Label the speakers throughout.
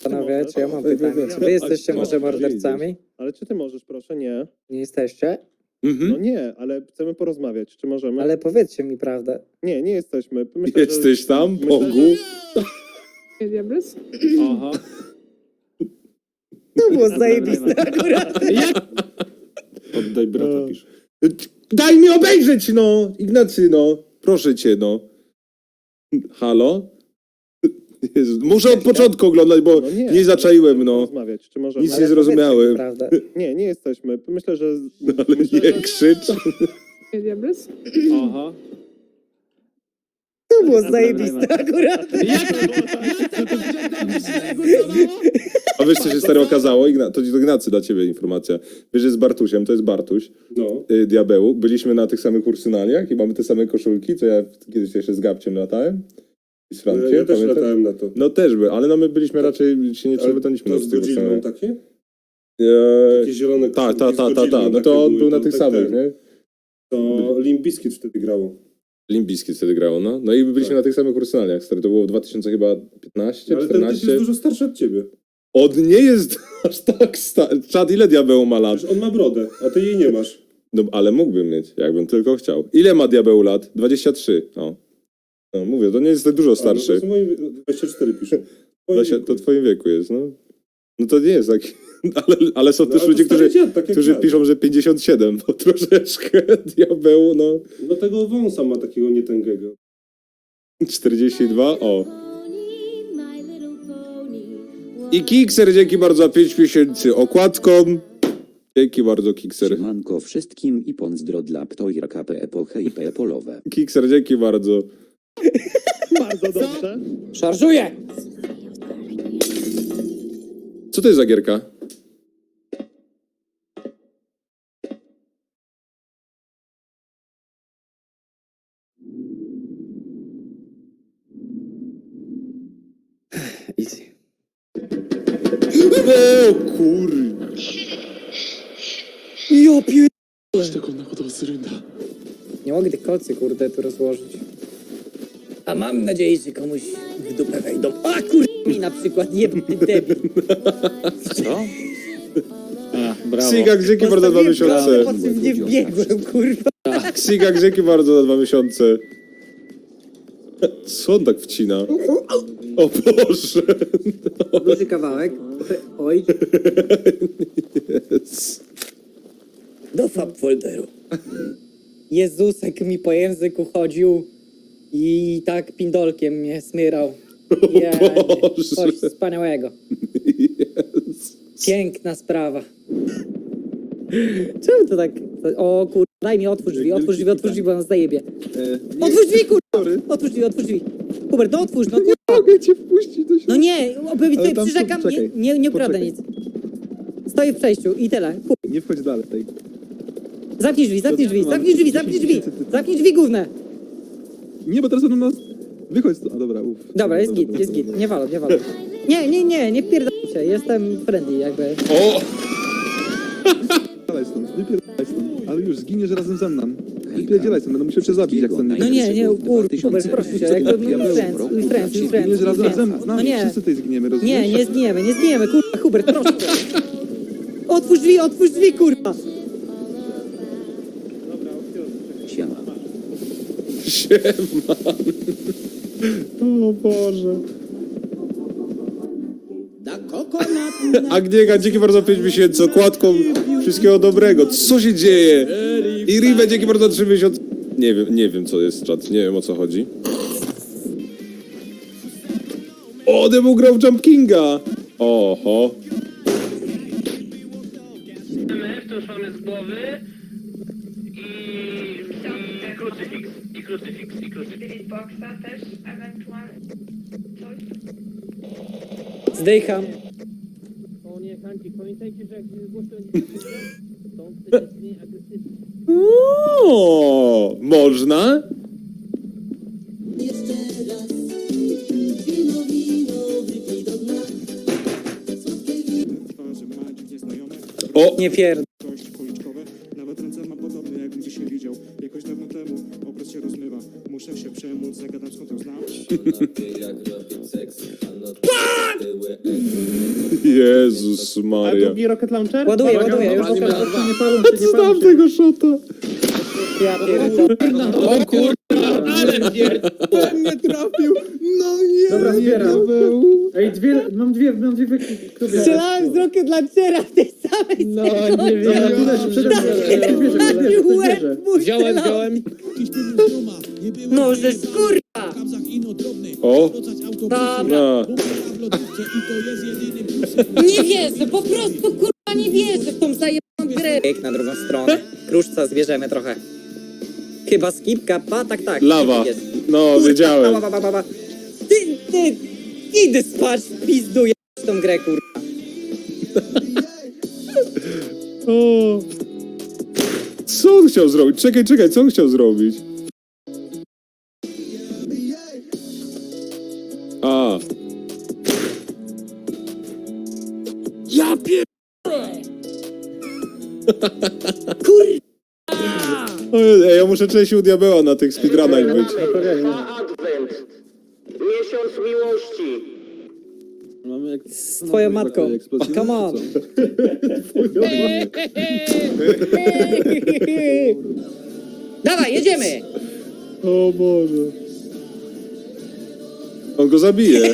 Speaker 1: Panowie, czy ja mam pytanie? Czy wy jesteście może mordercami?
Speaker 2: Ale czy ty możesz, proszę? Nie.
Speaker 1: Nie jesteście?
Speaker 2: No nie, ale chcemy porozmawiać. Czy możemy?
Speaker 1: Ale powiedzcie mi prawdę.
Speaker 2: Nie, nie jesteśmy. Myślę,
Speaker 3: Jesteś tam,
Speaker 2: myślę,
Speaker 3: Bogu?
Speaker 4: Diables?
Speaker 5: Aha.
Speaker 1: To było zajebiste akurat.
Speaker 5: Oddaj brata, pisz.
Speaker 3: Daj mi obejrzeć, no! Ignacy, no! Proszę cię, no. Halo? Jezu, muszę od początku oglądać, bo
Speaker 2: No
Speaker 3: nie zaczaiłem, no.
Speaker 2: Porozmawiać. Czy możemy?
Speaker 3: Nic
Speaker 1: Ale
Speaker 3: nie zrozumiałem.
Speaker 1: powiedzcie mi prawdę.
Speaker 2: Nie, nie jesteśmy. Myślę, że...
Speaker 3: Ale
Speaker 2: myślę,
Speaker 3: nie
Speaker 2: że-
Speaker 3: krzycz.
Speaker 4: Diables?
Speaker 5: Aha.
Speaker 1: To było zajebiste akurat.
Speaker 3: A wiesz, co się stary okazało? To Ignacy dla ciebie informacja. Wiesz, że z Bartusiem, to jest Bartuś,
Speaker 5: No.
Speaker 3: Diabeł. Byliśmy na tych samych ursynaliach i mamy te same koszulki, co ja kiedyś jeszcze z Gabciem latałem. I z Frankiem,
Speaker 6: Ja też
Speaker 3: pamiętasz?
Speaker 6: latałem na to.
Speaker 3: No też by, ale no my byliśmy raczej, się nie przybytaliśmy
Speaker 6: To
Speaker 3: do
Speaker 6: z
Speaker 3: tych
Speaker 6: Godzillą
Speaker 3: samych.
Speaker 6: takie?
Speaker 3: Takie
Speaker 6: Takie zielone
Speaker 3: Tak,
Speaker 6: koszulki z Godzillą
Speaker 3: no
Speaker 6: takie
Speaker 3: to on
Speaker 6: były,
Speaker 3: był na
Speaker 6: to
Speaker 3: tych
Speaker 6: tak
Speaker 3: samych,
Speaker 6: ten.
Speaker 3: nie?
Speaker 6: To Limp Bizkit wtedy grało.
Speaker 3: Limp Bizkit wtedy grało, no. No i byliśmy
Speaker 6: Tak.
Speaker 3: na tych samych ursynaliach, stary. To było w 2015,
Speaker 6: Ale ten typ
Speaker 3: 14.
Speaker 6: jest dużo starszy od ciebie.
Speaker 3: On nie jest aż tak stary. Czad, ile Diabeł ma lat?
Speaker 6: Przecież on ma brodę, a ty jej nie masz.
Speaker 3: No, ale mógłbym mieć, jakbym tylko chciał. Ile ma Diabeł lat? 23. O. No, mówię, to nie jest tak dużo
Speaker 6: A, no
Speaker 3: starszy.
Speaker 6: to jest 24 pisze.
Speaker 3: To w twoim wieku jest, no. No to nie jest taki... Ale są
Speaker 6: No,
Speaker 3: też
Speaker 6: ale
Speaker 3: ludzie,
Speaker 6: to stary dziad, tak jak
Speaker 3: którzy
Speaker 6: ja.
Speaker 3: piszą, że 57, bo troszeczkę Diabeł, no.
Speaker 6: No tego wąsa ma takiego nietęgego.
Speaker 3: 42, o. I Kikser, dzięki bardzo za 5 miesięcy okładką. Dzięki bardzo, Kikser.
Speaker 7: Siemanko wszystkim i pozdro dla Ptojra KP epoche i polowe.
Speaker 3: Kikser, dzięki bardzo.
Speaker 2: Bardzo dobrze.
Speaker 1: Szarżuję!
Speaker 3: Co to jest za gierka?
Speaker 1: Easy.
Speaker 3: O kur...
Speaker 1: Jo pier...
Speaker 5: してこんなことをするんだ。
Speaker 1: Nie mogę tych kolcy, kurde, tu rozłożyć. A mam nadzieję, że komuś w dupę wejdą. A mi na przykład, jebny debil.
Speaker 5: Co? A, brawo.
Speaker 3: Sigak, dzięki bardzo za 2 miesiące.
Speaker 1: Po czym nie wbiegłem, kurwa.
Speaker 3: Sigak, dzięki bardzo za 2 miesiące. Co on tak wcina? O Boże.
Speaker 1: Duży kawałek. Oj.
Speaker 3: Yes.
Speaker 1: Do fab folderu. Jezusek mi po języku chodził i tak pindolkiem mnie smyrał. Ja,
Speaker 3: Boże.
Speaker 1: coś wspaniałego.
Speaker 3: Yes.
Speaker 1: Piękna sprawa. Czemu to tak? O kur... Daj mi, otwórz drzwi, bo nas zajebie. Otwórz drzwi, kurwa! Otwórz drzwi. Hubert, no otwórz, no kurwa.
Speaker 3: Mogę cię wpuścić do
Speaker 1: No nie, tutaj przyrzekam, nie ukradę nic. Stoję w przejściu i tyle.
Speaker 8: Nie wchodź dalej.
Speaker 1: Zamknij drzwi, główne.
Speaker 8: Nie, bo teraz będą nas... Wychodź stąd. A dobra,
Speaker 1: Dobra, jest git, nie walą. Nie pierdolę się, jestem friendly jakby.
Speaker 3: O!
Speaker 8: Wypierdalaj stąd, wypierdalaj stąd. Ale już, zginiesz razem ze mną. Wypierdzielaj stąd, będę musiał cię zabić, jak ten...
Speaker 1: No nie, kurwa, proszę cię, jak to friends.
Speaker 8: Zginiesz razem ze mną, z
Speaker 1: No
Speaker 8: nami,
Speaker 1: nie.
Speaker 8: wszyscy tutaj zginiemy, rozumiesz?
Speaker 1: Nie zginiemy, kurwa, Hubert, proszę. Otwórz drzwi, kurwa.
Speaker 7: Siema.
Speaker 3: Siema. O Boże. Agniega, dzięki bardzo za 5 miesięcy, okładką, wszystkiego dobrego. Co się dzieje? I Rive, dzięki bardzo za 3 miesiące. Nie wiem co jest czat, nie wiem o co chodzi. O, Demu grał w Jump Kinga. Oho.
Speaker 9: To już mamy z głowy i krucyfiks.
Speaker 4: Spirit Boxa też ewentualnie coś?
Speaker 1: Zdycham.
Speaker 9: O nie, Hanci, pamiętajcie, że jak głośno to on wtedy jest mniej agresywny.
Speaker 3: O, można? O!
Speaker 1: Nie pierd...
Speaker 10: policzkowe. Nawet ręce ma podobne, jakbym dzisiaj widział. Jakoś dawno temu obraz się rozmywa. Muszę się przemóc, zagadam skąd ją znam.
Speaker 3: Jezus
Speaker 2: A
Speaker 3: Maria.
Speaker 2: drugi rocket launcher?
Speaker 1: Ładuję,
Speaker 2: Uwaga,
Speaker 1: ładuję, już
Speaker 2: uwaga,
Speaker 1: pokażę.
Speaker 2: uwaga, nie palą się, nie palą
Speaker 3: Znam
Speaker 2: się.
Speaker 3: tego szota.
Speaker 1: Ja pierdolę.
Speaker 5: O kurwa, ale pierd...
Speaker 8: Nie trafił! No nie!
Speaker 2: Dobra, zbieram. Ej, mam dwie kluby.
Speaker 1: Strzelałem z Rocket Launchera w tej samej
Speaker 5: No nie wiem.
Speaker 2: Dobra, tutaj się przede mną. Ktoś bierze, ktoś bierze.
Speaker 5: Wziąłem.
Speaker 1: No, że kurwa!
Speaker 3: O,
Speaker 1: Dobra.
Speaker 3: na.
Speaker 1: Nie wierzę, po prostu kurwa nie wierzę w tą zajebaną grę. Na drugą stronę. Kruszca zbierzemy trochę. Chyba skipka, tak.
Speaker 3: Lawa.
Speaker 1: Jest.
Speaker 3: No,
Speaker 1: Kurwa,
Speaker 3: wiedziałem.
Speaker 1: ba. Ty, idę spać, pizduję w tą grę, kurwa.
Speaker 3: O. Co on chciał zrobić? Czekaj, co on chciał zrobić? A.
Speaker 1: Ja
Speaker 3: Ej, ja muszę częściej u diabeła na tych speedrunach być.
Speaker 9: Advent. Miesiąc miłości.
Speaker 8: Mamy jak...
Speaker 1: Z twoją matką. Come on. Dawaj, jedziemy!
Speaker 3: O Boże. On go zabije.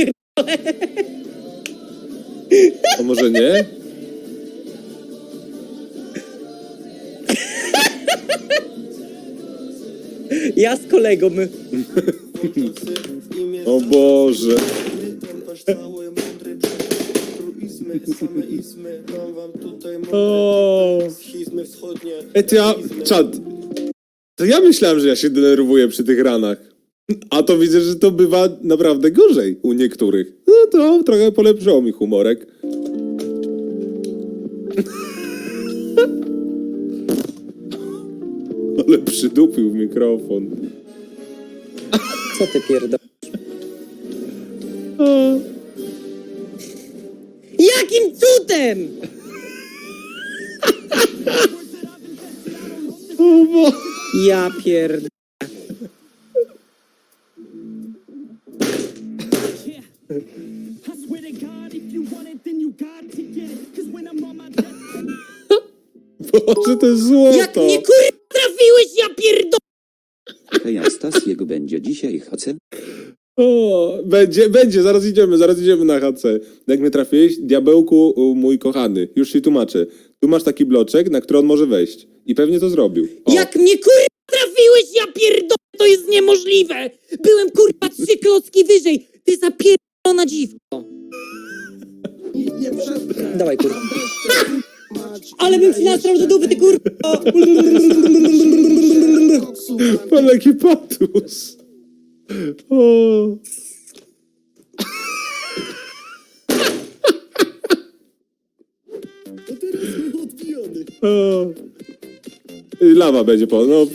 Speaker 3: A może nie?
Speaker 1: Ja z kolegą.
Speaker 3: O Boże. O. Ej, to ja... Czad. To ja myślałem, że ja się denerwuję przy tych ranach. A to widzę, że to bywa naprawdę gorzej u niektórych. No to trochę polepszyło mi humorek. Ale przydupił w mikrofon.
Speaker 1: Co ty pierdol?
Speaker 3: O.
Speaker 1: Jakim cudem?
Speaker 3: O Bo...
Speaker 1: Ja pierd...
Speaker 3: Boże, to jest złoto.
Speaker 1: Jak mnie kurwa trafiłeś, ja pierdol...
Speaker 7: Hej, a Stasiek będzie dzisiaj HC?
Speaker 3: O, będzie, zaraz idziemy na HC. Jak mnie trafiłeś, diabełku mój kochany, już ci tłumaczę. Tu masz taki bloczek, na który on może wejść. I pewnie to zrobił. O.
Speaker 1: Jak mnie kurwa trafiłeś, ja pierdol... To jest niemożliwe! Byłem kurwa 3 klocki wyżej! Ty zapierdolona dziwko! Dawaj kurwa. Ale bym ci nastrał do dupy, ty kurwa!
Speaker 3: Pan jaki patus. O. O. I lawa będzie po... No,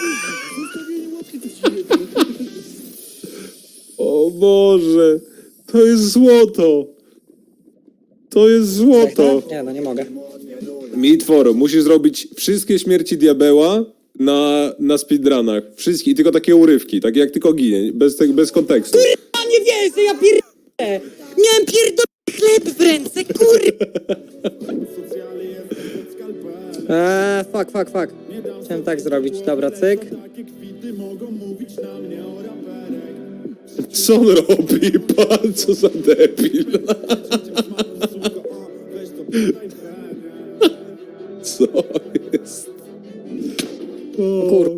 Speaker 3: O Boże. To jest złoto. To jest złoto.
Speaker 1: Nie, no nie mogę.
Speaker 3: Mitworo, musisz zrobić wszystkie śmierci diabeła na speedrunach. Wszystkie, i tylko takie urywki, takie jak tylko ginie, bez kontekstu.
Speaker 1: A nie wierzę, ja pierdolę! Miałem pierdolony chleb w ręce, kurwa! Fuck. Chciałem tak zrobić, dobra, cyk.
Speaker 3: Co on robi? Pan, co za debil. Co jest?
Speaker 1: Kur...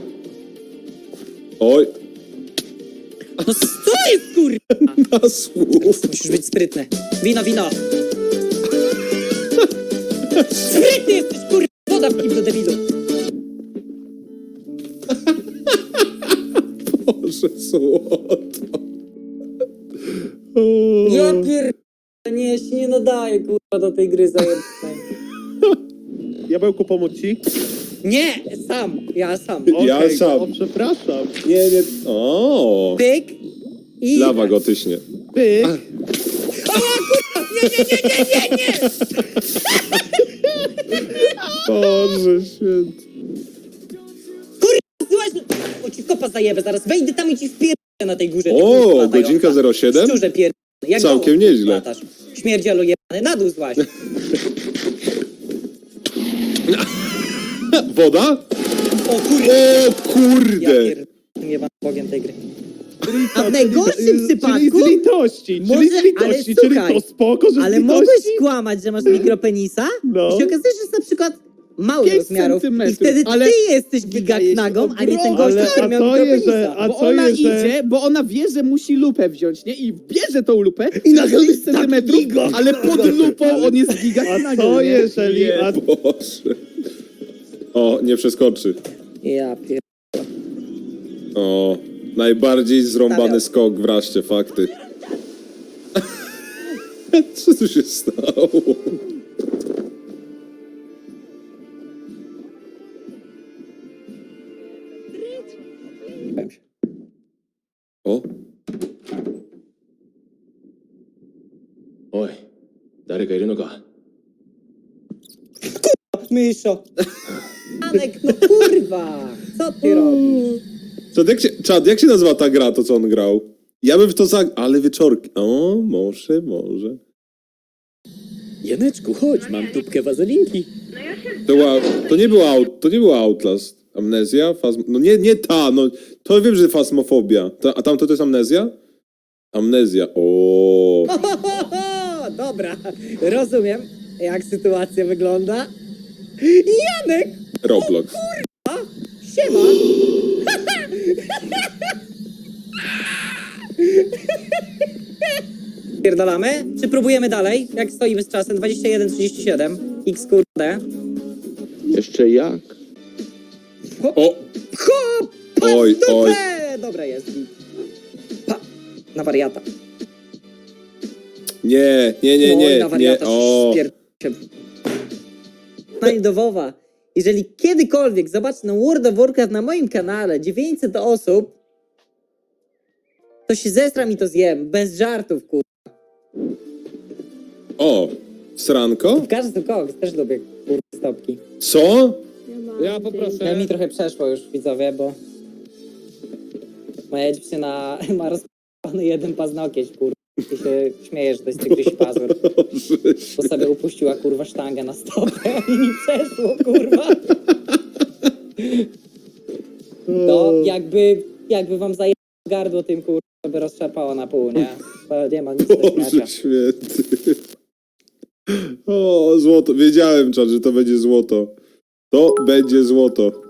Speaker 3: Oj,
Speaker 1: No co jest, kurwa?
Speaker 3: na słów.
Speaker 1: Musisz być sprytny. Wino! Sprytny jesteś, kurwa! Woda w kiblu, debilu!
Speaker 3: Boże, złoto. O.
Speaker 1: Ja pierdolę, nie, ja się nie nadaję, kurwa, do tej gry zajebanej.
Speaker 2: Diabełku, pomóc ci?
Speaker 1: Nie, ja sam.
Speaker 3: Ja
Speaker 2: Okej,
Speaker 3: sam.
Speaker 2: O, przepraszam.
Speaker 3: Nie. O,
Speaker 1: Pyk i...
Speaker 3: lawa go tyśnie.
Speaker 2: Pyk.
Speaker 1: Nie!
Speaker 3: Boże święty.
Speaker 1: Słuchaj, o ci kopa zajebę zaraz, wejdę tam i ci wpierdolę na tej górze.
Speaker 3: O, godzinka 07?
Speaker 1: Szczurze pierdolę. Jak
Speaker 3: Całkiem
Speaker 1: gołąb
Speaker 3: nieźle.
Speaker 1: latasz. Śmierdzielu jebany, na dół złaź.
Speaker 3: Woda?
Speaker 1: O kurde.
Speaker 3: O kurde!
Speaker 1: Ja pierdolę, jebany bogiem tej gry. A w najgorszym przypadku...
Speaker 5: Czyli z litości,
Speaker 1: Może-
Speaker 5: czyli z litości,
Speaker 1: ale
Speaker 5: czyli
Speaker 1: słuchaj,
Speaker 5: to spoko, że z
Speaker 1: Ale
Speaker 5: litości.
Speaker 1: mogłeś kłamać, że masz mikropenisa
Speaker 5: No.
Speaker 1: i się okazuje, że jest na przykład mały
Speaker 5: 5
Speaker 1: rozmiarów i
Speaker 5: centymetrów,
Speaker 1: wtedy
Speaker 5: ale
Speaker 1: ty jesteś
Speaker 5: wydaje się
Speaker 1: gigaknagą, a nie ten
Speaker 5: ogromny.
Speaker 1: gość,
Speaker 5: Ale-
Speaker 1: który
Speaker 5: a
Speaker 1: miał
Speaker 5: to jest,
Speaker 1: mikropenisa.
Speaker 5: a
Speaker 2: Bo
Speaker 5: co
Speaker 2: ona
Speaker 5: jest, że-
Speaker 2: idzie, bo ona wie, że musi lupę wziąć, nie? I bierze tą lupę
Speaker 5: I nagle
Speaker 2: 5
Speaker 5: jest taki
Speaker 2: centymetrów,
Speaker 5: giga.
Speaker 2: ale pod lupą on jest giga
Speaker 5: A co jeżeli... A
Speaker 3: Boże. O, nie przeskoczy.
Speaker 1: Ja pier...
Speaker 3: O, najbardziej zrąbany
Speaker 1: Stawiam.
Speaker 3: skok w raście, fakty. Co tu się stało?
Speaker 1: Powiem się.
Speaker 3: O,
Speaker 1: Myszo. Anek, no kurwa. Co ty robisz?
Speaker 3: Czad, jak się nazywa ta gra, to co on grał? Ja bym w to ale wieczorki. O, może.
Speaker 5: Janeczku, chodź, mam tubkę wazelinki.
Speaker 4: No ja się
Speaker 3: To nie było Outlast. Amnezja? No nie ta, no to wiem, że fasmofobia. A tamto to jest amnezja? Amnezja, o.
Speaker 1: Dobra, rozumiem, jak sytuacja wygląda. Janek,
Speaker 3: Roblox.
Speaker 1: siema. Pierdolamy? Czy próbujemy dalej? Jak stoimy z czasem? 21:37. X kurde.
Speaker 7: Jeszcze jak?
Speaker 3: O,
Speaker 1: Hop!
Speaker 3: Oj, oj.
Speaker 1: Dobra jest. Pa! Na wariata.
Speaker 3: nie,
Speaker 1: Oj, na
Speaker 3: nie.
Speaker 1: wariata.
Speaker 3: O,
Speaker 1: Pani do WoWa. Jeżeli kiedykolwiek zobaczę World of Warcraft na moim kanale 900 osób, to się zestram i to zjem. Bez żartów, kur...
Speaker 3: o. Sranko?
Speaker 1: Każdy koks też lubię, kur... stopki.
Speaker 3: Co?
Speaker 5: Ja poproszę.
Speaker 1: Ja mi trochę przeszło już, widzowie, bo... Moja dziewczyna ma rozpalony jeden paznokieć, kur... I się śmieje, że to jest tygryś pazur. Bo sobie upuściła, kurwa, sztangę na stopę i mi przeszło, kurwa. To jakby wam zajęło gardło tym, kurwa, to by rozczapało na pół, nie? To nie ma nic do śmiania.
Speaker 3: Boże święty. O, złoto. Wiedziałem, Czad, że to będzie złoto. To będzie złoto.